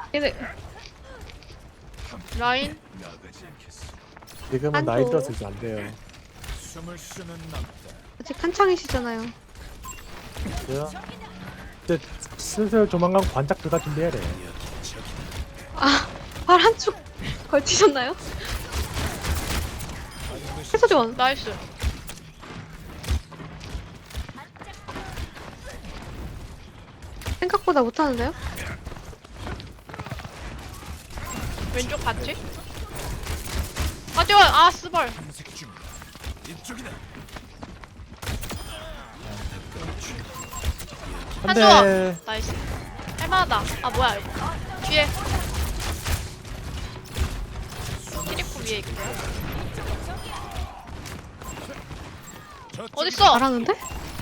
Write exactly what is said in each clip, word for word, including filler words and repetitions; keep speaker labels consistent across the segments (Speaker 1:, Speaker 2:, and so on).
Speaker 1: 얘네 라인
Speaker 2: 지금은
Speaker 1: 한조.
Speaker 2: 나이 들어서 이제 안 돼요.
Speaker 1: 아직 한창이시잖아요.
Speaker 2: 그래요? 이제 슬슬 조만간 관짝 들어갈 준비해야 돼.
Speaker 1: 아, 발 한쪽 걸치셨나요? 해서전 나이스. 생각보다 못하는데요? 왼쪽 같이? 아 뛰어! 아 스벌!
Speaker 2: 한
Speaker 1: 한조아!
Speaker 2: 대.
Speaker 1: 나이스. 할만하다. 아 뭐야 이거. 뒤에 키리코 위에 있고요. 어딨어? 잘하는데?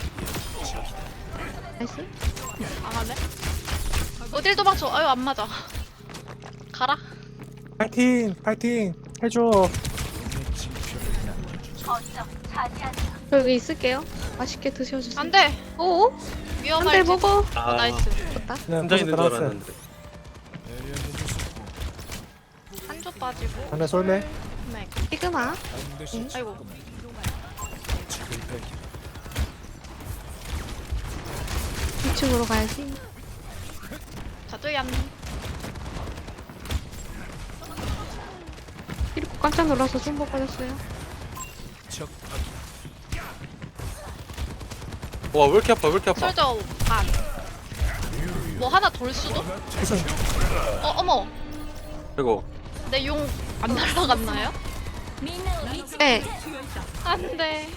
Speaker 1: 나이스. 안 하네? 어딜 도망쳐? 아유 안 맞아. 가라.
Speaker 2: 파이팅! 파이팅! 해줘!
Speaker 1: 여기 있을게요. 맛있게 드셔주세요. 안 돼! 오? 위험할 때 먹어.
Speaker 3: 아,
Speaker 1: 어, 나이스. 좋다.
Speaker 2: 그냥
Speaker 3: 혼자 있는 줄
Speaker 2: 들어갔어요.
Speaker 3: 알았는데.
Speaker 1: 한조 빠지고.
Speaker 2: 하나 쏠래?
Speaker 1: 네. 시그마. 응. 아이고. 이 층으로 가야지. 자두얀. 이렇게 깜짝 놀라서 손 못 받았어요.
Speaker 3: 와, 왜 이렇게 아파, 왜 이렇게 아파.
Speaker 1: 솔저 반. 뭐 하나 돌 수도? 어 어머.
Speaker 3: 이거.
Speaker 1: 내 용 안 날라갔나요? 네. 안돼.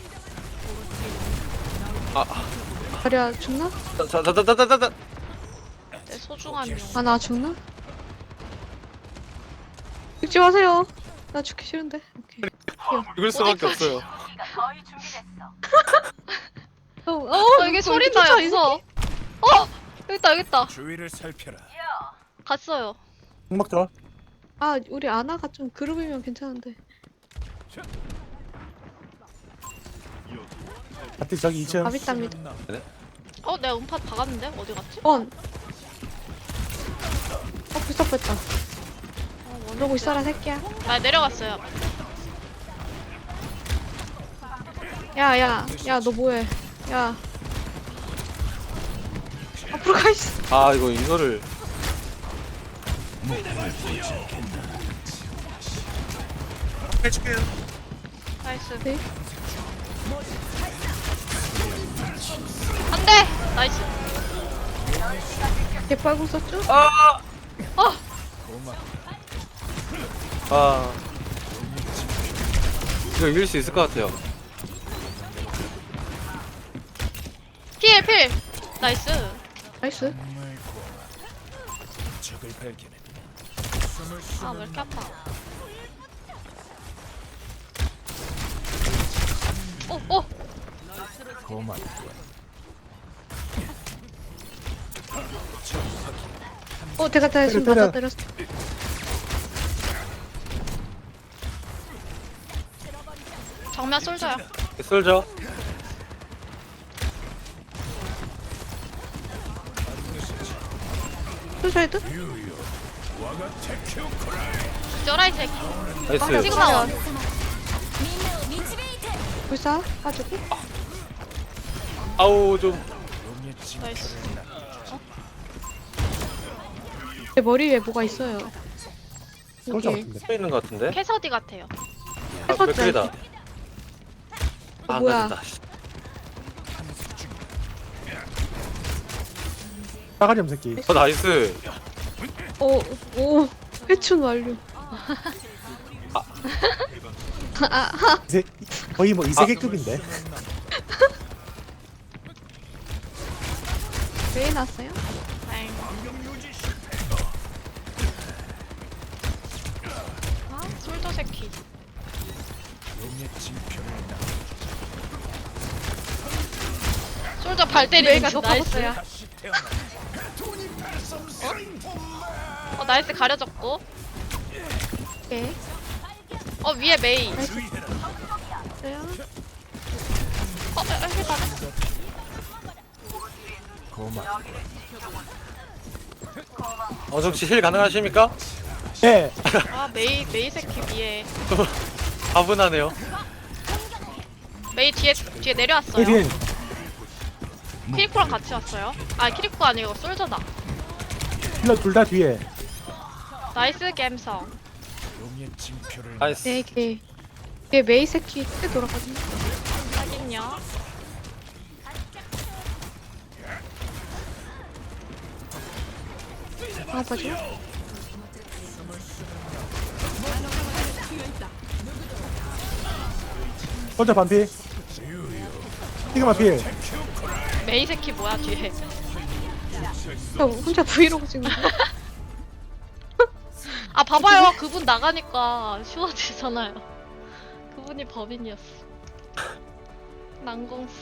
Speaker 3: 아,
Speaker 1: 다리야 죽나?
Speaker 3: 자, 자, 자, 자, 자, 자, 자.
Speaker 1: 내 소중한 용. 아 나 죽나? 죽지 마세요. 나 죽기 싫은데. 오케이.
Speaker 3: 이걸 수밖에
Speaker 1: 어디까지?
Speaker 3: 없어요.
Speaker 1: 어, 어 이게 소리 나요. 무서워. 어 여기 있다 여기 있다.
Speaker 4: 주위를 살펴라.
Speaker 1: 갔어요.
Speaker 2: 흑막 좋아.
Speaker 1: 아 우리 아나가 좀 그룹이면 괜찮은데.
Speaker 2: 하트 저기 이 층.
Speaker 1: 아비답니다. 어 내가 음파 박았는데 어디 갔지? 원. 어 불쌍 뺐다. 어, 그러고 있어라 새끼야. 아 내려갔어요. 야야 야 너 뭐해? 야. 앞으로 가 있어.
Speaker 3: 아, 이거 이거를. 해줄게요.
Speaker 1: 나이스. 네. 안돼. 나이스. 개빨고 썼죠?
Speaker 3: 아!
Speaker 1: 어.
Speaker 3: 아. 이거 이길 수 있을 것 같아요.
Speaker 1: 필 필. 나이스. 나이스.
Speaker 4: 적을 발견했다.
Speaker 1: 아 왜 이렇게 아파? 오 오.
Speaker 4: 고만.
Speaker 1: 어 대가 대가 지금
Speaker 2: 때려,
Speaker 1: 맞아
Speaker 2: 때려.
Speaker 1: 때렸어. 정면 솔져요.
Speaker 3: 쏠죠.
Speaker 1: 솔져헤드? 쩌라 이 새끼.
Speaker 3: 나이스.
Speaker 1: 시그마 원. 불사 빠지고.
Speaker 3: 아우, 좀.
Speaker 1: 나이스. 내 머리 위에 뭐가 있어요.
Speaker 2: 솔저
Speaker 1: 여기
Speaker 2: 같은데.
Speaker 3: 서 있는 것 같은데?
Speaker 1: 캐서디 같아요.
Speaker 3: 아, 맥클이다.
Speaker 1: 어,
Speaker 3: 아,
Speaker 1: 뭐야.
Speaker 3: 맞다.
Speaker 2: 싸가지 없는 새끼.
Speaker 3: 어, 나이스.
Speaker 1: 오, 오, 회춘 완료. 아, 아,
Speaker 2: 이세, 거의 뭐 이세계급인데.
Speaker 1: 왜 났어요? 아, 솔더 새끼. 솔더 발 때리는 거 나이스야. 어? 어 나이스 가려졌고. 오케이. 어 위에 메이. 나이스. 어, 아, 해봐.
Speaker 4: 고만.
Speaker 3: 어정씨 힐 가능하십니까?
Speaker 2: 네.
Speaker 1: 아 메이 메이 새끼 위에.
Speaker 3: 가분하네요.
Speaker 1: 메이 뒤에 뒤에 내려왔어요.
Speaker 2: 힐.
Speaker 1: 키리코랑 같이 왔어요. 아 키리코 아니고 솔저다.
Speaker 2: 힐러 둘 다 뒤에.
Speaker 1: 나이스 갬성.
Speaker 4: 용의 징표를
Speaker 3: 나이스.
Speaker 1: 네 개. 얘 메이 새끼 크게 돌아가지고. 하긴요. 아 맞아.
Speaker 2: 혼자 반피. 시그마 필.
Speaker 1: 메이 새끼 뭐야 뒤에. 저 혼자 브이로그 찍는 거. 아 봐봐요 그분 나가니까 쉬워지잖아요. 그분이 법인이었어. 난공수.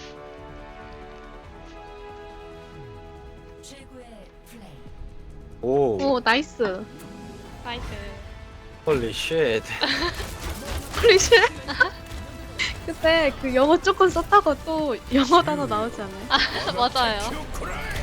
Speaker 3: 오.
Speaker 1: 오 나이스. 나이스.
Speaker 3: 홀리 쉣.
Speaker 1: 홀리쉣. 그때 그 영어 조금 썼다고 또 영어 단어 나오지 않아요? 아 맞아요.